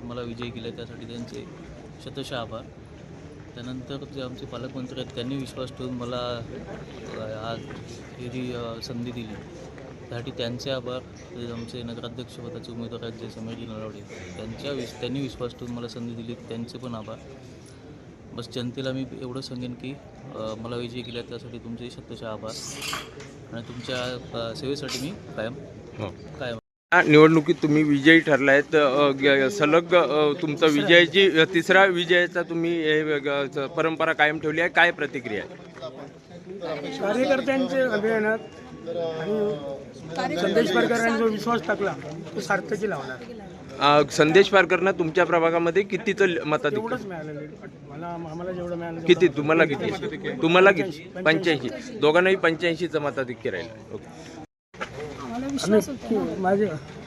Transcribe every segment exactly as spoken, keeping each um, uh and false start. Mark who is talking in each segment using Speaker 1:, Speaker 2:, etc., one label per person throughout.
Speaker 1: ठरून मला विजयी केले, त्यासाठी त्यांचे शतशः आभार. त्यानंतर जे आमचे पालकमंत्री आहेत त्यांनी विश्वास ठेवून मला आज ही जी संधी दिली त्यासाठी त्यांचे आभार. जे आमचे नगराध्यक्षपदाचे उमेदवार आहेत जे समीरजी नलावडे, त्यांच्या विश त्यांनी विश्वास ठेवून मला संधी दिली, त्यांचे पण आभार. बस जनतेला मी एवढं सांगेन की मला विजयी केल्या त्यासाठी तुमचे शतशः आभार आणि तुमच्या सेवेसाठी मी कायम कायम
Speaker 2: निवडणुकीत तुम्ही विजयी ठरलायत. सलग तुमचा विजयाची तिसरा विजयाचा तुम्ही परंपरा कायम ठेवली आहे. काय प्रतिक्रिया आहे?
Speaker 3: कार्यकर्त्यांचे अभियानात आणि संदेश पारकरांनी जो विश्वास टाकला तो सार्थकी लावणार.
Speaker 2: संदेश पारकरना तुमच्या प्रभागामध्ये कितीचं मताधिक्य?
Speaker 3: एवढंच मिळालेलं मला आम्हाला जेवढं मिळालं.
Speaker 2: किती तुम्हाला किती तुम्हाला किती पंच्याऐंशी दोघांनाही पंच्याऐंशीचं मताधिक्य राहील.
Speaker 3: आम्ही माझे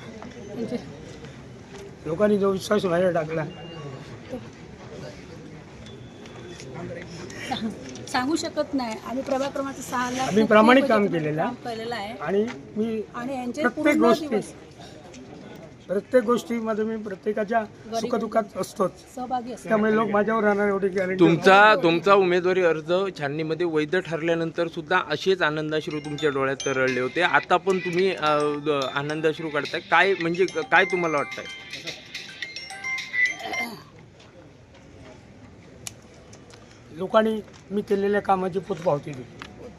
Speaker 3: लोकांनी जो विश्वास माझ्यावर टाकला
Speaker 4: सांगू शकत नाही. आम्ही प्रभाग क्रमांक सहा ला
Speaker 3: आम्ही प्रामाणिक काम केलेलं
Speaker 4: आहे
Speaker 3: आणि मी
Speaker 4: आणि यांचे
Speaker 3: प्रत्येक गोष्टी प्रत्येक गोष्टीमध्ये मी प्रत्येकाच्या सुखदुःखात असतोच,
Speaker 4: सहभागी असतो.
Speaker 3: त्यामुळे लोक माझ्यावर राहणार एवढी गॅरंटी.
Speaker 2: तुमचा तुमचा उमेदवारी अर्ज छाननीमध्ये वैध ठरल्यानंतर सुद्धा असेच आनंदाश्रू तुमच्या डोळ्यात तरळले होते. आता पण तुम्ही आनंदाश्रू काढताय. काय म्हणजे काय तुम्हाला वाटतंय?
Speaker 3: लोकांनी मी केलेल्या कामाची पोचपावती दिली.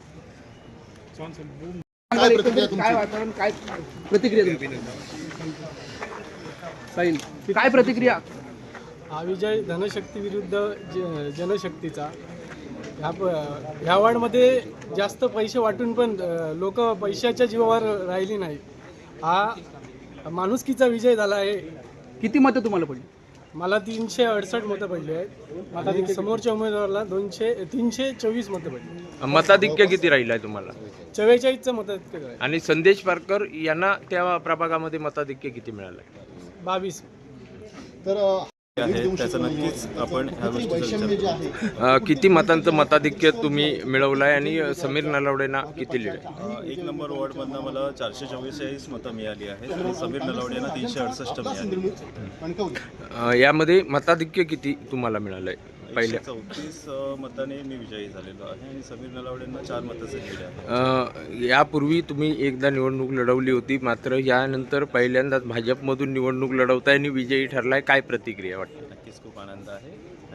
Speaker 5: काय प्रतिक्रिया काय प्रतिक्रिया?
Speaker 3: हा विजय धनशक्ती विरुद्ध ज जनशक्तीचा. ह्या प ह्या वार्डमध्ये जास्त पैसे वाटून पण लोक पैशाच्या जीवावर राहिली नाही. हा माणुसकीचा विजय झाला आहे.
Speaker 5: किती मतं तुम्हाला पडली?
Speaker 3: मला तीनशे अडसष्ट मतं पडली आहेत. आता समोरच्या उमेदवाराला दोनशे तीनशे चोवीस मतं पडली.
Speaker 2: मताधिक्य किती राहिलं आहे तुम्हाला?
Speaker 3: चव्वेचाळीसचं मताधिक्य आहे.
Speaker 2: आणि संदेश पारकर यांना त्या प्रभागामध्ये मताधिक्य किती मिळालं?
Speaker 3: बावीस.
Speaker 6: तर आहे त्याचं नक्कीच आपण ह्या गोष्टीचा विचार करू.
Speaker 2: किती मतांचं मताधिक्य तुम्ही मिळवलंय आणि समीर नलावडेंना किती लीड आहे?
Speaker 6: एक नंबर वॉर्डमधनं मला चारशे चव्वेचाळीस मतं मिळाली आहेत आणि समीर नलावडेंना तीनशे अडुसष्ट मिळाली.
Speaker 2: यामध्ये मताधिक्य किती तुम्हाला मिळालंय? पहिल्या
Speaker 6: चौतीस मताने मी विजयी झालेलो आहे आणि समीर नलावडेंना चार मताचं लीड आहे.
Speaker 2: यापूर्वी तुम्ही एकदा निवडणूक लढवली होती, मात्र यानंतर पहिल्यांदाच भाजपमधून निवडणूक लढवताय आणि विजयी ठरलाय. काय प्रतिक्रिया वाटते?
Speaker 6: नक्कीच खूप आनंद आहे.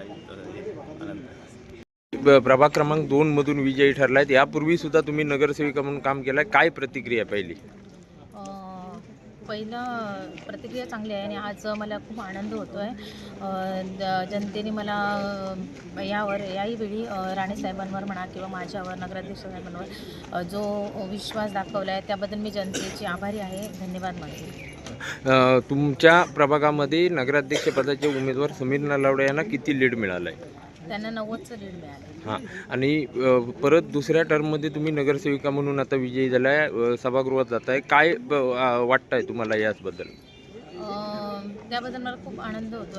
Speaker 6: आनंद आहे.
Speaker 2: प्रभाग क्रमांक दोन मधून विजयी ठरलायत. यापूर्वी सुद्धा तुम्ही नगरसेविका म्हणून काम केलंय. काय प्रतिक्रिया पहिली?
Speaker 7: पहिला प्रतिक्रिया चांगली आहे आणि आज मला खूप आनंद होतो आहे. जनतेने मला यावर याही वेळी राणेसाहेबांवर म्हणा किंवा माझ्यावर नगराध्यक्ष साहेबांवर जो विश्वास दाखवला आहे त्याबद्दल मी जनतेची आभारी आहे. धन्यवाद मानते.
Speaker 2: तुमच्या प्रभागामध्ये नगराध्यक्षपदाचे उमेदवार समीर नलावडे यांना किती लीड मिळालं आहे?
Speaker 7: त्यांना नव्वदचं लीड मिळालं.
Speaker 2: हां, आणि परत दुसऱ्या टर्ममध्ये तुम्ही नगरसेविका म्हणून आता विजयी झालाय, सभागृहात जात आहे. काय वाटतंय तुम्हाला याचबद्दल?
Speaker 7: त्याबद्दल मला खूप आनंद होतो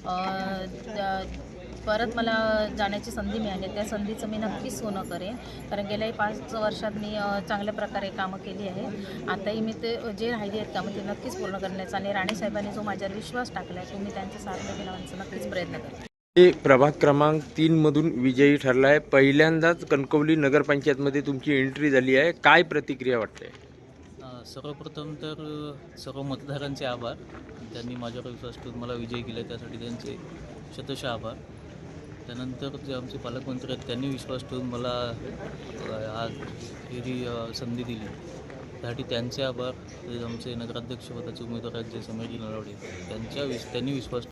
Speaker 7: आहे. परत मला जाण्याची संधी मिळाली, त्या संधीचं मी नक्कीच सोनं करेन, कारण गेल्याही पाच वर्षात मी चांगल्या प्रकारे कामं केली आहे. आताही मी ते जे राहिली आहेत कामं ते नक्कीच पूर्ण करण्याचा आणि राणेसाहेबांनी जो माझ्यावर विश्वास टाकला आहे तो मी त्यांचा सार्थ केला नक्कीच प्रयत्न करेन.
Speaker 2: प्रभाग क्रमांक तीन मधून विजयी ठरला आहे. पहिल्यांदाच कणकवली नगरपंचायतमध्ये तुमची एंट्री झाली आहे. काय प्रतिक्रिया वाटते?
Speaker 1: सर्वप्रथम तर सर्व मतदारांचे आभार. त्यांनी माझ्यावर विश्वास ठेवून मला विजयी केले त्यासाठी त्यांचे शतशः आभार. त्यानंतर जे आमचे पालकमंत्री आहेत त्यांनी विश्वास ठेवून मला आज ही जी संधी दिली त्यासाठी त्यांचे आभार. जे आमचे नगराध्यक्षपदाचे उमेदवार आहेत जे समीरजी नलावडे, त्यांच्या विश त्यांनी विश्वास